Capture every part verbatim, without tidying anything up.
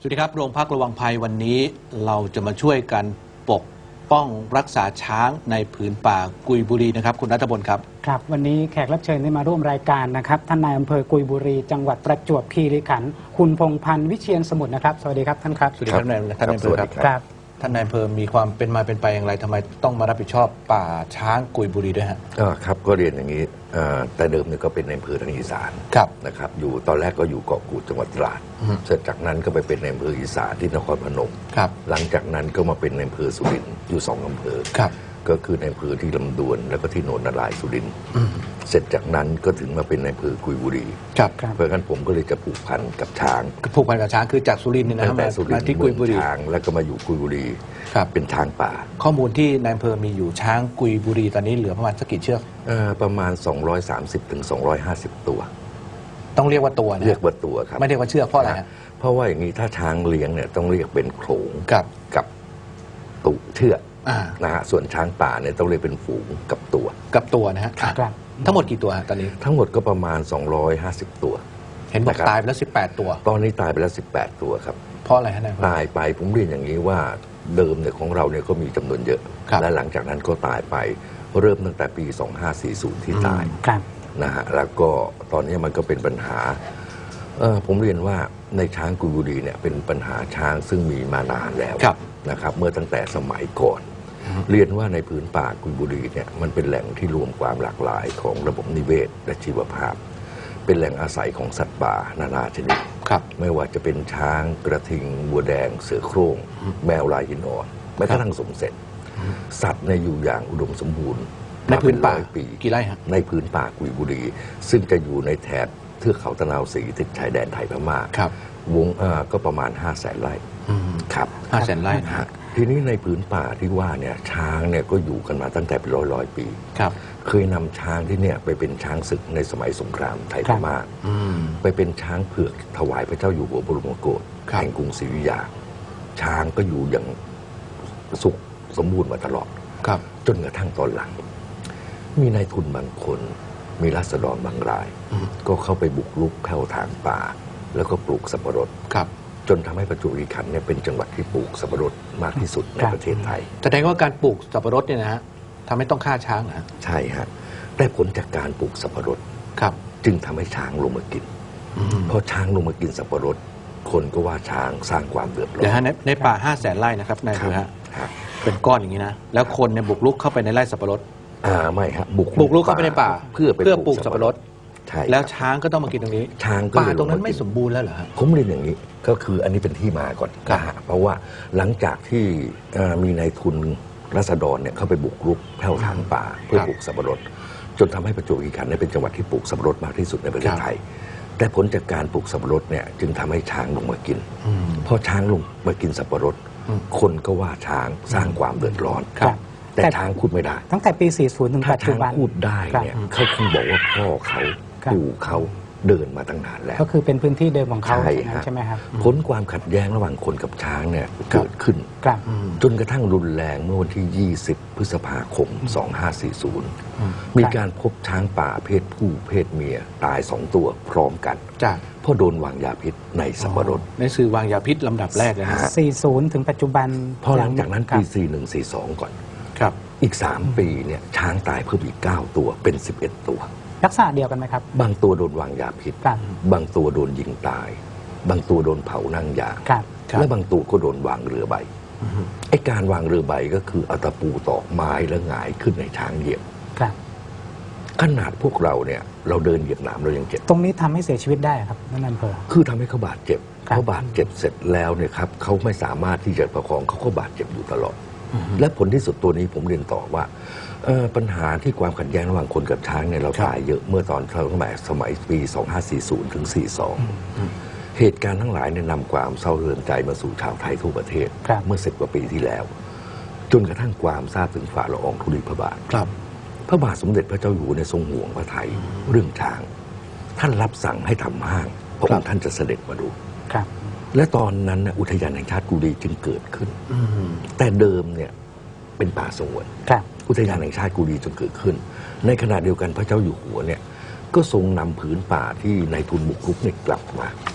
วัสดีครับโรงพักระวังภัยวันนี้เราจะมาช่วยกันปกป้องรักษาช้างในผืนป่ากุยบุรีนะครับคุณรัฐพลครับครับวันนี้แขกรับเชิญที่มาร่วมรายการนะครับท่านนายอำเภอกุยบุรีจังหวัดประจวบคีรีขันธ์คุณพงษ์พันธ์วิเชียรสมุทรนะครับสวัสดีครับท่านครับสวัสดีครับท่านนายอำเภอครับท่านนายอำเภอมีความเป็นมาเป็นไปอย่างไรทำไมต้องมารับผิดชอบป่าช้างกุยบุรีด้วยฮะก็ครับก็เรียนอย่างนี้แต่เดิมเนี่ยก็เป็นในอำเภอทางอีสานนะครับอยู่ตอนแรกก็อยู่เกาะกูดจังหวัดตราดเสร็จจากนั้นก็ไปเป็นในอำเภออีสานที่นครพนมหลังจากนั้นก็มาเป็นในอำเภอสุรินทร์อยู่สองอำเภอก็คือในอำเภอที่ลำดวนแล้วก็ที่โนนนารายสุรินทร์เสร็จจากนั้นก็ถึงมาเป็นในอำเภอกุยบุรีเพราะงั้นผมก็เลยจะผูกพันกับช้างผูกพันกับช้างคือจากสุรินทร์นี่นะมาที่กุยบุรีช้างแล้วก็มาอยู่กุยบุรีเป็นช้างป่าข้อมูลที่นายอำเภอมีอยู่ช้างกุยบุรีตอนนี้เหลือประมาณสักกี่เชือกประมาณสองร้อยสามสิบถึงสองร้อยห้าสิบตัวต้องเรียกว่าตัวนะเรียกว่าตัวครับไม่เรียกว่าเชือกเพราะอะไรฮะเพราะว่าอย่างนี้ถ้าช้างเลี้ยงเนี่ยต้องเรียกเป็นโขลงกับกับตุเชือกนะฮะส่วนช้างป่าเนี่ยต้องเรียกเป็นฝูงกับตัวกับตัวนะฮะทั้งหมดกี่ตัวตอนนี้ทั้งหมดก็ประมาณสองร้อยห้าสิบตัวเห็นบอกตายไปแล้วสิบแปดตัวตอนนี้ตายไปแล้วสิบแปดตัวครับเพราะอะไรฮะนายตายไปผมเรียนอย่างนี้ว่าเดิมเนี่ยของเราเนี่ยก็มีจำนวนเยอะและหลังจากนั้นก็ตายไปเริ่มตั้งแต่ปีสองห้าสี่ศูนย์ที่ตายนะฮะแล้วก็ตอนนี้มันก็เป็นปัญหาผมเรียนว่าในช้างกุยบุรีเนี่ยเป็นปัญหาช้างซึ่งมีมานานแล้วนะครับเมื่อตั้งแต่สมัยก่อนเรียนว่าในพื้นป่ากุยบุรีเนี่ยมันเป็นแหล่งที่รวมความหลากหลายของระบบนิเวศและชีวภาพเป็นแหล่งอาศัยของสัตว์ป่านานาชนิดไม่ว่าจะเป็นช้างกระทิงบัวแดงเสือโคร่งแมวลายหินอ่อนแม้กระทั่งสมเสร็จสัตว์ในอยู่อย่างอุดมสมบูรณ์ในพื้นป่าปีกี่ไร่ฮะในพื้นป่ากุยบุรีซึ่งจะอยู่ในแถบเทือกเขาตะนาวศรีติดชายแดนไทยพม่าวงก็ประมาณห้าแสนไร่ครับห้าแสนไร่ทีนี้ในพื้นป่าที่ว่าเนี่ยช้างเนี่ยก็อยู่กันมาตั้งแต่เป็นร้อยร้อยปีครับเคยนำช้างที่เนี่ยไปเป็นช้างศึกในสมัยสงครามไทยพม่าไปเป็นช้างเผือกถวายพระเจ้าอยู่หัวบรมโกศแห่งกรุงศรีอยุธยาช้างก็อยู่อย่างสุขสมบูรณ์มาตลอดจนกระทั่งตอนหลังมีนายทุนบางคนมีราษฎรบางรายก็เข้าไปบุกรุกแผ่วทางป่าแล้วก็ปลูกสับปะรดจนทำให้ประจวบคีรีขันธ์เนี่ยเป็นจังหวัดที่ปลูกสับปะรดมากที่สุดในประเทศไทยแสดงว่าการปลูกสับปะรดเนี่ยนะฮะทำให้ต้องฆ่าช้างนะใช่ฮะได้ผลจากการปลูกสับปะรดครับจึงทำให้ช้างลงมากินพอช้างลงมากินสับปะรดคนก็ว่าช้างสร้างความเดือดร้อนเดี๋ยวฮะในป่าห้าแสนไร่นะครับนายฮะเป็นก้อนอย่างนี้นะแล้วคนเนี่ยบุกรุกเข้าไปในไร่สับปะรดอ่าไม่ฮะบุกบุกรุกเข้าไปในป่าเพื่อเพื่อปลูกสับปะรดใช่แล้วช้างก็ต้องมากินตรงนี้ช้างป่าตรงนั้นไม่สมบูรณ์แล้วเหรอฮะผมเรียนอย่างนี้ก็คืออันนี้เป็นที่มาก่อนนะฮะเพราะว่าหลังจากที่มีนายทุนราษฎรเนี่ยเข้าไปบุกรุกแผ่วทางป่าเพื่อปลูกสับปะรดจนทำให้ประจวบคีรีขันธ์เป็นจังหวัดที่ปลูกสับปะรดมากที่สุดในประเทศไทยแต่ผลจากการปลูกสับปะรดเนี่ยจึงทำให้ช้างลงมากินพอช้างลงมากินสับปะรดคนก็ว่าช้างสร้างความเดือดร้อนแต่ช้างพูดไม่ได้ตั้งแต่ปีสี่สิบถึงปัจจุบันถ้าช้างพูดได้เนี่ยเขาคงบอกว่าพ่อเขาปู่เขาเดินมาตั้งนานแล้วก็คือเป็นพื้นที่เดิมของเขาใช่ไหมครับผลความขัดแย้งระหว่างคนกับช้างเนี่ยเกิดขึ้นจนกระทั่งรุนแรงเมื่อวันที่ยี่สิบพฤษภาคมสองห้าสี่ศูนย์มีการพบช้างป่าเพศผู้เพศเมียตายสองตัวพร้อมกันเพราะโดนวางยาพิษในสับปะรดในสื่อวางยาพิษลำดับแรกเลยนะสี่สิบถึงปัจจุบันพอหลังจากนั้นปีสี่สิบเอ็ด สี่สิบสองก่อนครับอีกสามปีเนี่ยช้างตายเพิ่มอีกเก้าตัวเป็นสิบเอ็ดตัวลักษณะเดียวกันไหมครับบางตัวโดนวางยาพิษบางตัวโดนยิงตายบางตัวโดนเผานั่งยางและบางตัวก็โดนวางเรือใบไอ้การวางเรือใบก็คือเอาตะปูตอกไม้แล้วหงายขึ้นในช้างเหยียบขนาดพวกเราเนี่ยเราเดินเหยียบหนามเรายังเจ็บตรงนี้ทำให้เสียชีวิตได้ครับนั่นอำเภอคือทำให้เขาบาดเจ็บเขาบาดเจ็บเสร็จแล้วเนี่ยครับเขาไม่สามารถที่จะประคองเขาก็บาดเจ็บอยู่ตลอดและผลที่สุดตัวนี้ผมเรียนต่อว่าปัญหาที่ความขัดแย้งระหว่างคนกับช้างเนี่ยเราตายเยอะเมื่อตอนสมัยสมัยปีสองห้าสี่ศูนย์ถึงสี่สิบสองเหตุการณ์ทั้งหลายเนี่ยนำความเศร้าเรือนใจมาสู่ชาวไทยทั่วประเทศเมื่อสิบกว่าปีที่แล้วจนกระทั่งความทราบถึงฝ่าละอองธุลีพระบาทพระบาทสมเด็จพระเจ้าอยู่หัวในทรงห่วงพระไทยเรื่องช้างท่านรับสั่งให้ทำห้างพระองค์ท่านจะเสด็จมาดูและตอนนั้นอุทยานแห่งชาติกุยบุรีจึงเกิดขึ้นแต่เดิมเนี่ยเป็นป่าสงวนอุทยานแห่งชาติกุยบุรีจนเกิดขึ้นในขณะเดียวกันพระเจ้าอยู่หัวเนี่ยก็ทรงนำผืนป่าที่นายทุนบุกรุกเนี่ยกลับมา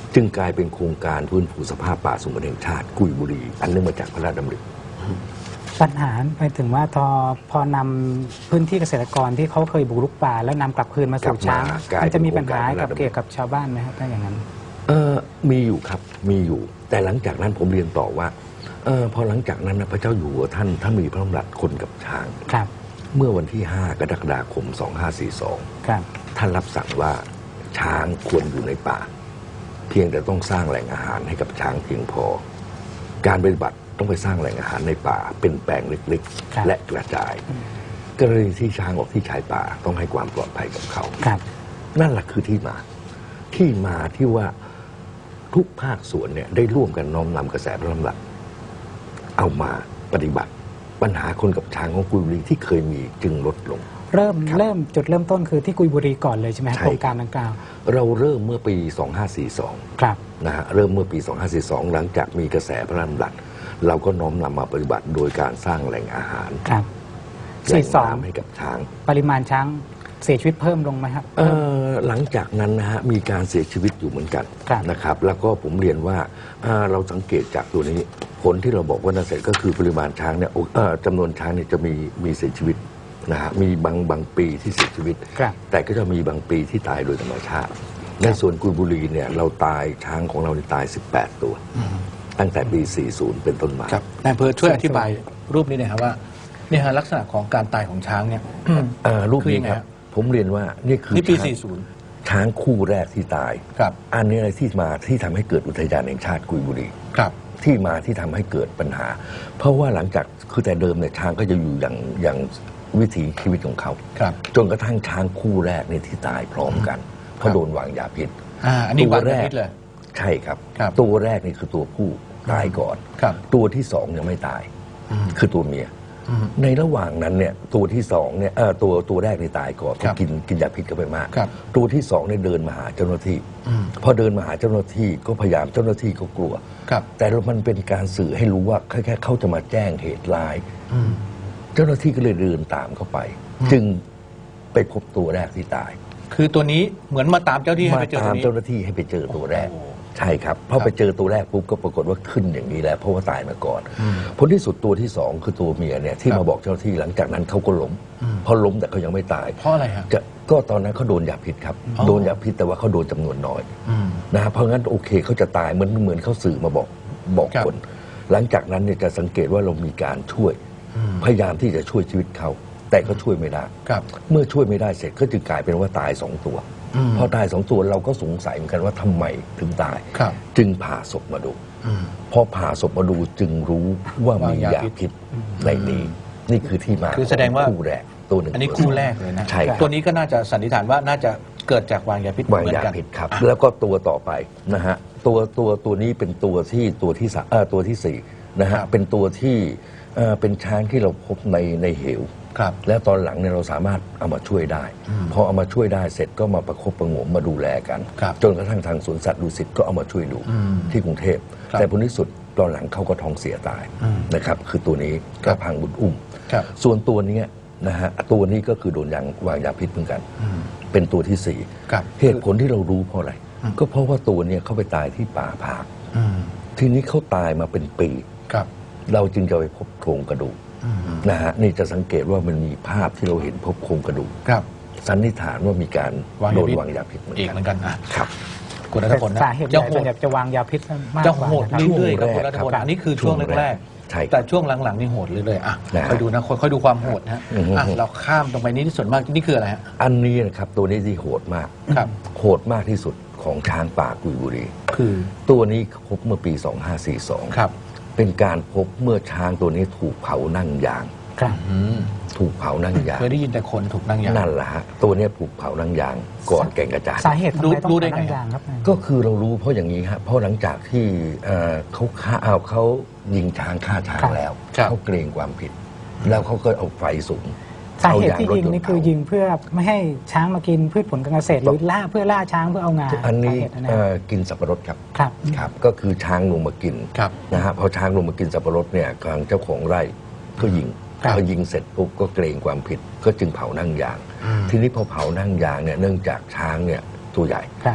จึงกลายเป็นโครงการฟื้นฟูสภาพป่าสงวนแห่งชาติกุยบุรีอันเนื่องมาจากพระราชดำริปัญหาไปถึงว่าพอพอนำพื้นที่เกษตรกรที่เขาเคยบุกรุกป่าแล้วนำกลับคืนมาสู่ช้างมันจะมีปัญหากับเกี่ยวกับชาวบ้านไหมครับถ้าอย่างนั้นเออมีอยู่ครับมีอยู่ แต่หลังจากนั้นผมเรียนต่อว่าเออพอหลังจากนั้นนะพระเจ้าอยู่หัวท่านท่านมีพระดำรัสคนกับช้างครับเมื่อวันที่ห้ากรกฎาคมสองห้าสี่สองครับท่านรับสั่งว่าช้างควรอยู่ในป่าเพียงแต่ต้องสร้างแหล่งอาหารให้กับช้างเพียงพอการปฏิบัติต้องไปสร้างแหล่งอาหารในป่าเป็นแปลงเล็กๆและกระจายกรณีที่ช้างออกที่ชายป่าต้องให้ความปลอดภัยกับเขานั่นแหละคือที่มาที่มาที่ว่าทุกภาคส่วนเนี่ยได้ร่วมกันน้อมนำกระแสพระดำรัสเอามาปฏิบัติปัญหาคนกับช้างของกุยบุรีที่เคยมีจึงลดลงเริ่มเริ่มจุดเริ่มต้นคือที่กุยบุรีก่อนเลยใช่ไหมโครงการดังกล่าวเราเริ่มเมื่อปีสองห้าสี่สองครับนะฮะเริ่มเมื่อปีสองห้าสี่สองหลังจากมีกระแสพระดำรัสเราก็น้อมนำมาปฏิบัติโดยการสร้างแหล่งอาหารครับแหล่งน้ำให้กับช้างปริมาณช้างเสียชีวิตเพิ่มลงไหมครับหลังจากนั้นนะฮะมีการเสียชีวิตอยู่เหมือนกันนะครับแล้วก็ผมเรียนว่าเราสังเกตจากตัวนี้ผลที่เราบอกว่าน่าเสียก็คือปริมาณช้างเนี่ยจำนวนช้างเนี่ยจะมีมีเสียชีวิตนะฮะมีบางบางปีที่เสียชีวิตแต่ก็จะมีบางปีที่ตายโดยธรรมชาติในส่วนกุยบุรีเนี่ยเราตายช้างของเราตายสิบแปดตัวตั้งแต่ปีสี่สิบเป็นต้นมาครับนายอำเภอช่วยอธิบายรูปนี้หน่อยครับว่าเนี่ยลักษณะของการตายของช้างเนี่ยรูปนี้ครับผมเรียนว่านี่คือที่ปีสี่สิบช้างคู่แรกที่ตายครับอันนี้อะไรที่มาที่ทำให้เกิดอุทยานแห่งชาติกุยบุรีครับที่มาที่ทำให้เกิดปัญหาเพราะว่าหลังจากคือแต่เดิมเนี่ยช้างก็จะอยู่อย่างอย่างวิถีชีวิตของเขาจนกระทั่งช้างคู่แรกเนี่ยที่ตายพร้อมกันเพราะโดนวางยาพิษอ่าอันนี้วางยาพิษเลยใช่ครับตัวแรกนี่คือตัวผู้ตายก่อนตัวที่สองยังไม่ตายคือตัวเมียในระหว่างนั้นเนี่ยตัวที่สองเนี่ยตัวตัวแรกในตายก่อนกินกินยาพิษเข้าไปมากตัวที่สองเนี่ยเดินมาหาเจ้าหน้าที่พอเดินมาหาเจ้าหน้าที่ก็พยายามเจ้าหน้าที่ก็กลัวแต่มันเป็นการสื่อให้รู้ว่าแค่แค่เขาจะมาแจ้งเหตุร้ายเจ้าหน้าที่ก็เลยเดินตามเข้าไปจึงไปพบตัวแรกที่ตายคือตัวนี้เหมือนมาตามเจ้าที่ให้ไปเจอตามเจ้าหน้าที่ให้ไปเจอตัวแรกใช่ครับพอไปเจอตัวแรกปุ๊บก็ปรากฏว่าขึ้นอย่างนี้แล้วเพราะว่าตายมาก่อนผลที่สุดตัวที่สองคือตัวเมียเนี่ยที่มาบอกเจ้าหน้าที่หลังจากนั้นเขาก็ล้มพอล้มแต่เขายังไม่ตายเพราะอะไรฮะก็ตอนนั้นเขาโดนยาพิษครับโดนยาพิษแต่ว่าเขาโดนจำนวนน้อยนะเพราะงั้นโอเคเขาจะตายเหมือนเหมือนเขาสื่อมาบอกบอกคนหลังจากนั้นเนี่ยจะสังเกตว่าเรามีการช่วยพยายามที่จะช่วยชีวิตเขาแต่ก็ช่วยไม่ได้เมื่อช่วยไม่ได้เสร็จก็จึงกลายเป็นว่าตายสองตัวพอตายสองตัวเราก็สงสัยเหมือนกันว่าทำไมถึงตายจึงผ่าศพมาดูพอผ่าศพมาดูจึงรู้ว่ามียาพิษในนี้นี่คือที่มาคือแสดงว่าคู่แรกตัวหนึ่งอันนี้คู่แรกเลยนะใช่ตัวนี้ก็น่าจะสันนิษฐานว่าน่าจะเกิดจากวางยาพิษวางยาพิษครับแล้วก็ตัวต่อไปนะฮะตัวตัวตัวนี้เป็นตัวที่ตัวที่สามตัวที่สี่นะฮะเป็นตัวที่เป็นช้างที่เราพบในในเหวแล้วตอนหลังเนี่ยเราสามารถเอามาช่วยได้พอเอามาช่วยได้เสร็จก็มาประคบประหงมมาดูแลกันจนกระทั่งทางสวนสัตว์ดุสิตก็เอามาช่วยดูที่กรุงเทพแต่ผลที่สุดตอนหลังเขาก็ท้องเสียตายนะครับคือตัวนี้ก็พังบุญอุ้มส่วนตัวนี้นะฮะตัวนี้ก็คือโดนยางวางยาพิษเหมือนกันเป็นตัวที่สี่เหตุผลที่เรารู้เพราะอะไรก็เพราะว่าตัวนี้เขาไปตายที่ป่าผากทีนี้เขาตายมาเป็นปีเราจึงจะไปพบโครงกระดูกนะฮะนี่จะสังเกตว่ามันมีภาพที่เราเห็นพบโครงกระดูกสันนิษฐานว่ามีการโดนวางยาพิษเหมือนกันครับคุณรัตพลนะสาเหตุใหญ่ส่วนใหญ่จะวางยาพิษมากกว่าจะโหดเรื่อยๆครับคุณรัตพลอันนี้คือช่วงแรกๆแต่ช่วงหลังๆนี่โหดเรื่อยๆอ่ะคอยดูนะคอยดูความโหดนะเราข้ามตรงไปนี้ที่ส่วนมากนี่คืออะไรฮะอันนี้นะครับตัวนี้ที่โหดมากโหดมากที่สุดของช้างป่ากุยบุรีคือตัวนี้พบเมื่อปีสองห้าสี่สองครับเป็นการพบเมื่อช้างตัวนี้ถูกเผานั่งยางถูกเผานั่งยางเคยได้ยินแต่คนถูกนั่งยางนั่นแหละฮะตัวนี้ถูกเผานั่งยางก่อนแก่งกระจานสาเหตุทำไมต้องนั่งยางครับก็คือเรารู้เพราะอย่างนี้ฮะเพราะหลังจากที่เขาฆ่าเอาเขายิงช้างฆ่าช้างแล้วเขาเกรงความผิดแล้วเขาก็เอาไฟสูงสาเหตุที่ยิงนี่คือยิงเพื่อไม่ให้ช้างมากินพืชผลการเกษตรหรือล่าเพื่อล่าช้างเพื่อเอางาอันนี้กินสับปะรดครับครับครับก็คือช้างลงมากินนะฮะพอช้างลงมากินสับปะรดเนี่ยทางเจ้าของไร่ก็ยิงพอยิงเสร็จปุ๊บก็เกรงความผิดก็จึงเผานั่งยางทีนี้พอเผานั่งยางเนี่ยเนื่องจากช้างเนี่ยตัวใหญ่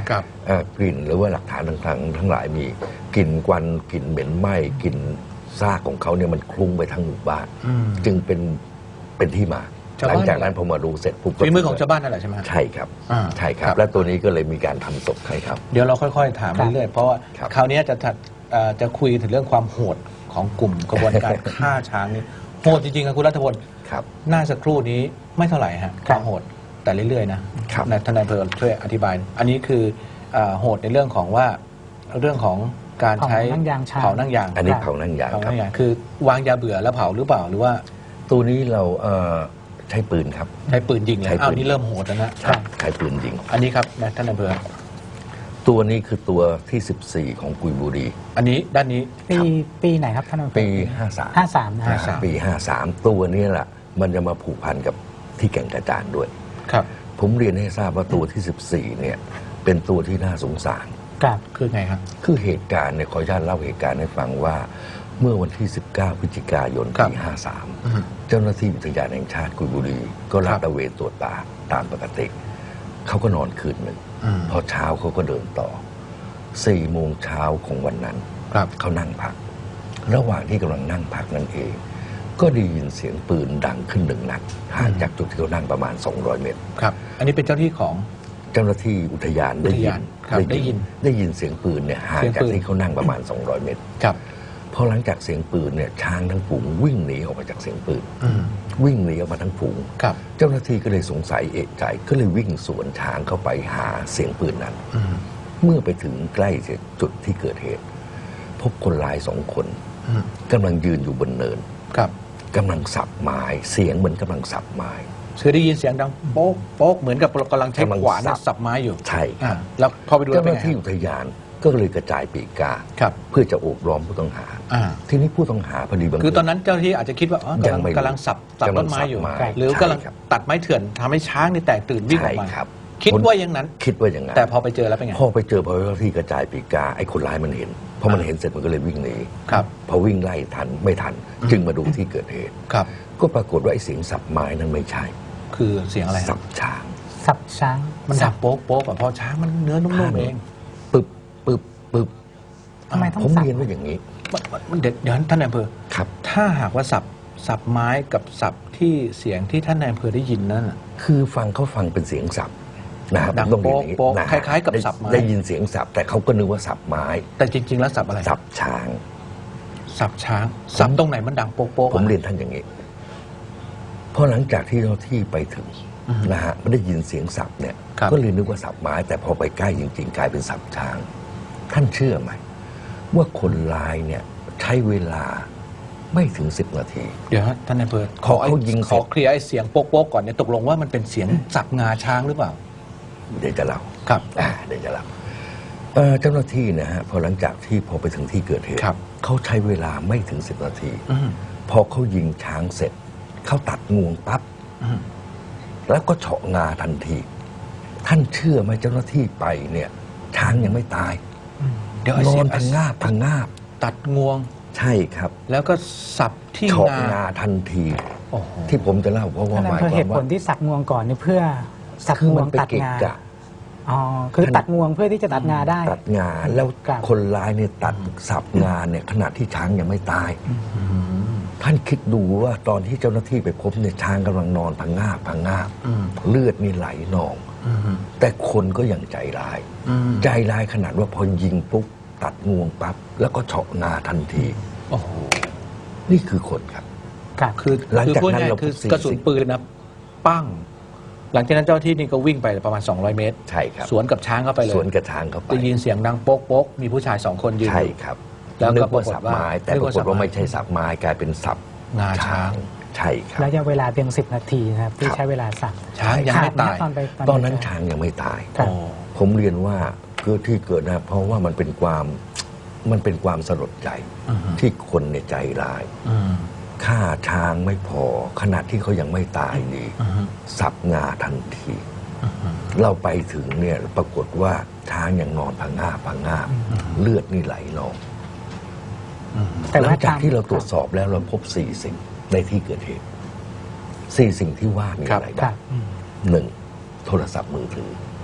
กลิ่นหรือว่าหลักฐานต่างๆทั้งหลายมีกลิ่นควันกลิ่นเหม็นไหม้กลิ่นซากของเขาเนี่ยมันคลุ้งไปทั้งหมู่บ้านจึงเป็นเป็นที่มาหลังจากนั้นพอมาดูเสร็จปุ๊บฝีมือของชาวบ้านนั่นแหละใช่ไหมใช่ครับใช่ครับและตัวนี้ก็เลยมีการทำศพให้ครับเดี๋ยวเราค่อยๆถามเรื่อยๆเพราะว่าคราวนี้จะจะคุยถึงเรื่องความโหดของกลุ่มกระบวนการฆ่าช้างนี่โหดจริงๆครับคุณรัฐพลหน้าสักครู่นี้ไม่เท่าไหร่ฮะความโหดแต่เรื่อยๆนะท่านนายอำเภอช่วยอธิบายอันนี้คือโหดในเรื่องของว่าเรื่องของการใช้เผานั่งยางอันนี้เผานั่งยางเผานั่งยางคือวางยาเบื่อแล้วเผาหรือเปล่าหรือว่าตัวนี้เราใช้ปืนครับใช้ปืนยิงเลยอ้าวนี่เริ่มโหดแล้วนะใช้ปืนยิงอันนี้ครับท่านนายอำเภอตัวนี้คือตัวที่สิบสี่ของกุยบุรีอันนี้ด้านนี้ปีปีไหนครับท่านนายอำเภอปีห้าสามห้าสามปีห้าสามตัวนี้แหละมันจะมาผูกพันกับที่แก่งกระจานด้วยครับผมเรียนให้ทราบว่าตัวที่สิบสี่เนี่ยเป็นตัวที่น่าสงสารครับคือไงครับคือเหตุการณ์เนี่ยขออนุญาตเล่าเหตุการณ์ให้ฟังว่าเมื่อวันที่สิบเก้าพฤศจิกายนปีห้าสามเจ้าหน้าที่อุทยานแห่งชาติกุยบุรีก็ลาดตระเวนตรวจป่าตามปกติเขาก็นอนคืนหนึ่งพอเช้าเขาก็เดินต่อสี่โมงเช้าของวันนั้นเขานั่งพักระหว่างที่กำลังนั่งพักนั่นเองก็ได้ยินเสียงปืนดังขึ้นหนึ่งนัดห่างจากจุดที่เขานั่งประมาณสองร้อยเมตรครับอันนี้เป็นเจ้าที่ของเจ้าหน้าที่อุทยานได้ยินได้ยินได้ยินเสียงปืนเนี่ยห่างจากที่เขานั่งประมาณสองร้อยเมตรครับพอหลังจากเสียงปืนเนี่ยช้างทั้งฝูงวิ่งหนีออกมาจากเสียงปืนวิ่งหนีออกมาทั้งฝูงเจ้าหน้าที่ก็เลยสงสัยเอะใจก็เลยวิ่งสวนช้างเข้าไปหาเสียงปืนนั้นเมื่อไปถึงใกล้จุดที่เกิดเหตุพบคนร้ายสองคนกำลังยืนอยู่บนเนินกำลังสับไม้เสียงเหมือนกำลังสับไม้คือได้ยินเสียงดังโป๊กโป๊กเหมือนกับกำลังใช้ขวานสับไม้อยู่ใช่แล้วพอไปดูเจ้าหน้าที่อุทยานก็เลยกระจายปีกกาเพื่อจะโอบล้อมผู้ต้องหาทีนี้ผู้ต้องหาพอดีบางคือตอนนั้นเจ้าหน้าที่อาจจะคิดว่ากำลังกำลังสับสับต้นไม้อยู่หรือกำลังตัดไม้เถื่อนทำให้ช้างนี่แตกตื่นวิ่งออกมาคิดว่าอย่างนั้นคิดว่าอย่างนั้นแต่พอไปเจอแล้วเป็นไงพอไปเจอพอเจ้าหน้าที่กระจายปีกกาไอ้คนร้ายมันเห็นพอมันเห็นเสร็จมันก็เลยวิ่งหนีพอวิ่งไล่ทันไม่ทันจึงมาดูที่เกิดเหตุก็ปรากฏว่าไอ้เสียงสับไม้นั้นไม่ใช่คือเสียงอะไรสับช้างสับช้างมันสับโป๊กโป๊กเพราะช้างมันเนื้อนุ่มๆเองปึ๊บปึ๊บปึ๊บทำไมต้องผมเรียนว่าอย่างนี้มันเด็ดเดี๋ยวท่านนายอำเภอครับถ้าหากว่าสับสับไม้กับสับที่เสียงที่ท่านนายอำเภอได้ยินนั่นคือฟังเขาฟังเป็นเสียงสับนะครับต้องโป๊กโป๊กคล้ายๆกับสับไม้ได้ยินเสียงสับแต่เขาก็นึกว่าสับไม้แต่จริงๆแล้วสับอะไรสับช้างสับช้างสับตรงไหนมันดังโป๊กโป๊กผมเรียนท่านอย่างนี้พอหลังจากที่เจ้าที่ไปถึงนะฮะไม่ได้ยินเสียงสับเนี่ยก็เลยนึกว่าสับไม้แต่พอไปใกล้จริงๆกลายเป็นสับช้างท่านเชื่อไหมว่าคนร้ายเนี่ยใช้เวลาไม่ถึงสิบนาทีเดี๋ยวท่านนายอำเภอขอเขายิงขอเคลียร์ไอ้เสียงโป๊กโป๊กก่อนเนี่ยตกลงว่ามันเป็นเสียงสับงาช้างหรือเปล่าเดี๋ยวจะเล่าครับอ่าเดี๋ยวจะเล่าเจ้าหน้าที่นะฮะพอหลังจากที่พอไปถึงที่เกิดเหตุเขาใช้เวลาไม่ถึงสิบนาทีพอเขายิงช้างเสร็จเขาตัดงวงปั๊บแล้วก็เฉาะงาทันทีท่านเชื่อไหมเจ้าหน้าที่ไปเนี่ยช้างยังไม่ตายนอนพังงาบพังงาบตัดงวงใช่ครับแล้วก็สับที่เฉาะงาทันทีที่ผมจะเล่าเพราะว่าหมายความว่าเหตุผลที่สับงวงก่อนนี่เพื่อสับงวงตัดงาอ๋อคือตัดงวงเพื่อที่จะตัดงาได้ตัดงาแล้วคนร้ายเนี่ยตัดสับงาเนี่ยขณะที่ช้างยังไม่ตายท่านคิดดูว่าตอนที่เจ้าหน้าที่ไปพบเนี่ยช้างกำลังนอนพังงาบพังงาบเลือดนี่ไหลนองแต่คนก็ยังใจร้ายใจร้ายขนาดว่าพอยิงปุ๊บตัดงวงปั๊บแล้วก็เฉาะงาทันทีโอ้โหนี่คือคนครับคือหลังจากนั้นเราคือกระสุนปืนนะปั้งหลังจากนั้นเจ้าที่นี่ก็วิ่งไปประมาณสองร้อยเมตรใช่ครับสวนกับช้างเข้าไปเลยสวนกับช้างเข้าไปได้ยินเสียงดังโป๊กโป๊กมีผู้ชายสองคนยืนใช่ครับแล้วก็ปรากฏว่าแต่ปรากฏว่าไม่ใช่สับไม้กลายเป็นสับงาช้างใช่ครับระยะเวลาเพียงสิบนาทีนะครับที่ใช้เวลาสับช้างยังไม่ตายตอนนั้นช้างยังไม่ตายผมเรียนว่าเกิดที่เกิดนะเพราะว่ามันเป็นความมันเป็นความสลดใจที่คนในใจร้ายฆ่าช้างไม่พอขนาดที่เขายังไม่ตายดีสับงาทันทีเราไปถึงเนี่ยปรากฏว่าช้างยังนอนพังงาบพังงาบเลือดนี่ไหลนองหลังจากที่เราตรวจสอบแล้วเราพบสี่สิ่งในที่เกิดเหตุสี่สิ่งที่ว่ามีอะไรบ้างหนึ่งโทรศัพท์มือถือ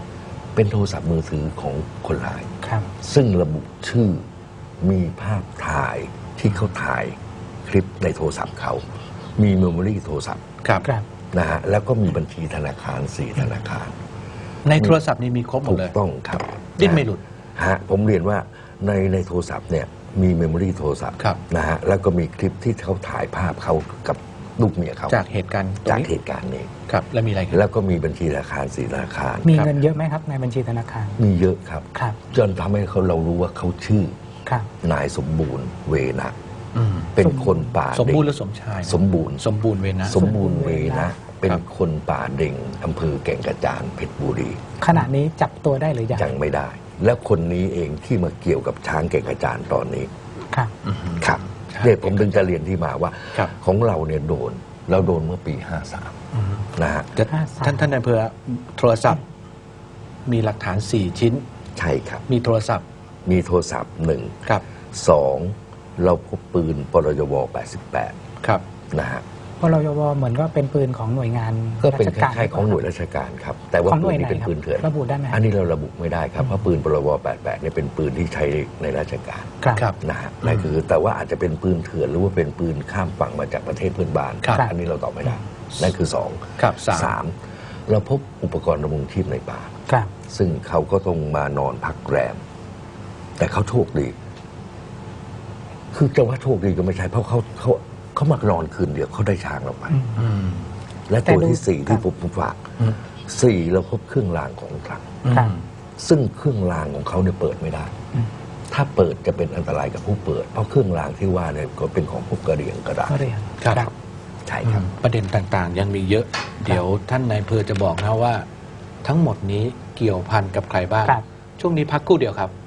เป็นโทรศัพท์มือถือของคนร้ายครับซึ่งระบุชื่อมีภาพถ่ายที่เขาถ่ายคลิปในโทรศัพท์เขา มีเมมโมรี่โทรศัพท์ครับครับนะฮะแล้วก็มีบัญชีธนาคารสี่ธนาคารในโทรศัพท์นี้มีครบหมถูดกเลยต้องครับดิ้นไม่หลุดฮะผมเรียนว่าในในโทรศัพท์เนี่ยมีเมมโมรี่โทรศัพท์ครับนะฮะแล้วก็มีคลิปที่เขาถ่ายภาพเขากับลูกเมียเขาจากเหตุการณ์ตรงจากนี้เหตุการณ์นี้ครับ แล้วมีอะไรครับแล้วก็มีบัญชีธนาคารสี่ธนาคารมีครับเงินเยอะไหมครับในบัญชีธนาคารมีเยอะครับครับจนทำให้เขาเรารู้ว่าเขาชื่อครับนายสมบูรณ์เวนะอืมเป็นคนป่าสมบูรณ์หเด็รืกอสมชายสมบูรณ์สมบูรณ์เวนะสมบูรณ์เวนะ เป็นครับคนป่าเด่งอำเภอแก่งกระจานเพชรบุรีขณะนี้จับตัวได้หรือยังยังไม่ได้ และคนนี้เองที่มาเกี่ยวกับช้างแก่งกระจานตอนนี้ครับอือฮึครับใช่เนี่ยผมถึงจะเรียนที่มาว่าครับของเราเนี่ยโดนเราโดนเมื่อปีห้าสามอือฮึนะฮะจะท่านท่านนายอำเภอโทรศัพท์ มีหลักฐานสี่ชิ้นใช่ครับมีโทรศัพท์มีโทรศัพท์หนึ่งครับสองเราพบปืนปรยแปดสิบแปดครับนะฮะพลยวเหมือนก็เป็นปืนของหน่วยงานก็เป็นราชคการล้ายๆของหน่วยราชการครับ แต่ว่าของหปืน่วน ยไหนนี้เป็นครับปืนเถื่อนระบุได้ไหมครับอันนี้เราระบุไม่ได้ครับเพราะปืนปรยแปดสิบแปดเนี่ยเป็นปืนที่ใช้ในราชการครับครับนะฮะนั่นคือแต่ว่าอาจจะเป็นปืนเถื่อนหรือว่าเป็นปืนข้ามฝั่งมาจากประเทศเพื่อนบ้านครับอันนี้เราตอบไม่ได้นั่นคือสองครับสามสามเราพบอุปกรณ์ดำรงชีพในป่าครับซึ่งเขาก็ต้องมานอนพักแรม แต่เขาโชคดี คือจะว่าโชคดีก็ไม่ใช่ เพราะเขาเขาเขามานอนคืนเดียวเขาได้ช้างเราไปอืมอืมและแต่ตัวดูที่สี่ครัที่บผมผมฝากอืมสี่เราพบเครื่องรางของขลังครับซึ่งเครื่องรางของเขาเนี่ยเปิดไม่ได้อืมถ้าเปิดจะเป็นอันตรายกับผู้เปิด เพราะเครื่องรางที่ว่าเนี่ยก็เป็นของพวกกระเหรี่ยงกระดาษก็เรียนครับครับใช่ครับประเด็นต่างๆ ยังมีเยอะ เดี๋ยวท่านนายอำเภอจะบอกนะว่า ทั้งหมดนี้เกี่ยวพันกับใครบ้างครับช่วงนี้พักครู่เดียวครับ